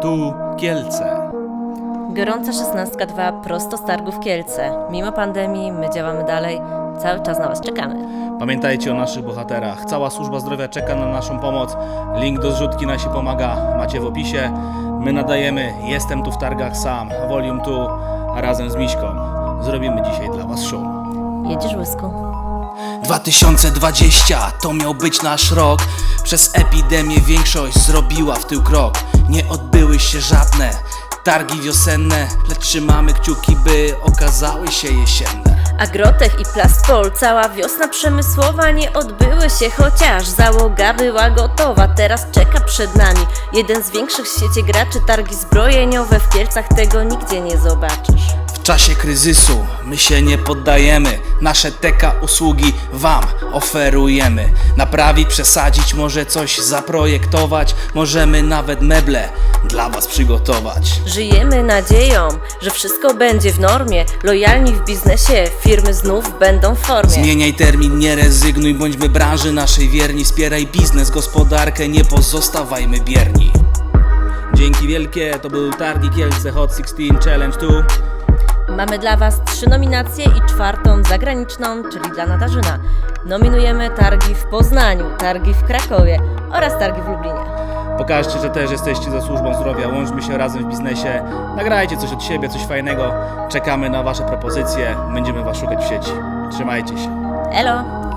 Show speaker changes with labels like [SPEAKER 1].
[SPEAKER 1] Tu Kielce.
[SPEAKER 2] Gorąca 16.2 prosto z targów Kielce. Mimo pandemii my działamy dalej, cały czas na Was czekamy.
[SPEAKER 1] Pamiętajcie o naszych bohaterach. Cała służba zdrowia czeka na naszą pomoc. Link do zrzutki na się pomaga macie w opisie. My nadajemy Jestem tu w targach sam, Volume 2, a razem z Miśką zrobimy dzisiaj dla Was show.
[SPEAKER 2] Jedziesz, Łysku?
[SPEAKER 3] 2020 to miał być nasz rok. Przez epidemię większość zrobiła w tył krok. Nie odbyły się żadne targi wiosenne, lecz trzymamy kciuki, by okazały się jesienne.
[SPEAKER 2] Agrotech i Plastpol, cała wiosna przemysłowa nie odbyły się, chociaż załoga była gotowa. Teraz czeka przed nami jeden z większych w świecie graczy. Targi zbrojeniowe w Kielcach, tego nigdzie nie zobaczysz.
[SPEAKER 3] W czasie kryzysu my się nie poddajemy. Nasze TK usługi wam oferujemy. Naprawić, przesadzić, może coś zaprojektować. Możemy nawet meble dla was przygotować.
[SPEAKER 2] Żyjemy nadzieją, że wszystko będzie w normie. Lojalni w biznesie, firmy znów będą w formie.
[SPEAKER 3] Zmieniaj termin, nie rezygnuj, bądźmy branży naszej wierni. Wspieraj biznes, gospodarkę, nie pozostawajmy bierni.
[SPEAKER 1] Dzięki wielkie, to był Targi Kielce Hot 16 Challenge 2.
[SPEAKER 2] Mamy dla Was 3 nominacje i 4. zagraniczną, czyli dla Natarzyna. Nominujemy targi w Poznaniu, targi w Krakowie oraz targi w Lublinie.
[SPEAKER 1] Pokażcie, że też jesteście za służbą zdrowia, łączmy się razem w biznesie, nagrajcie coś od siebie, coś fajnego, czekamy na Wasze propozycje, będziemy Was szukać w sieci. Trzymajcie się.
[SPEAKER 2] Elo!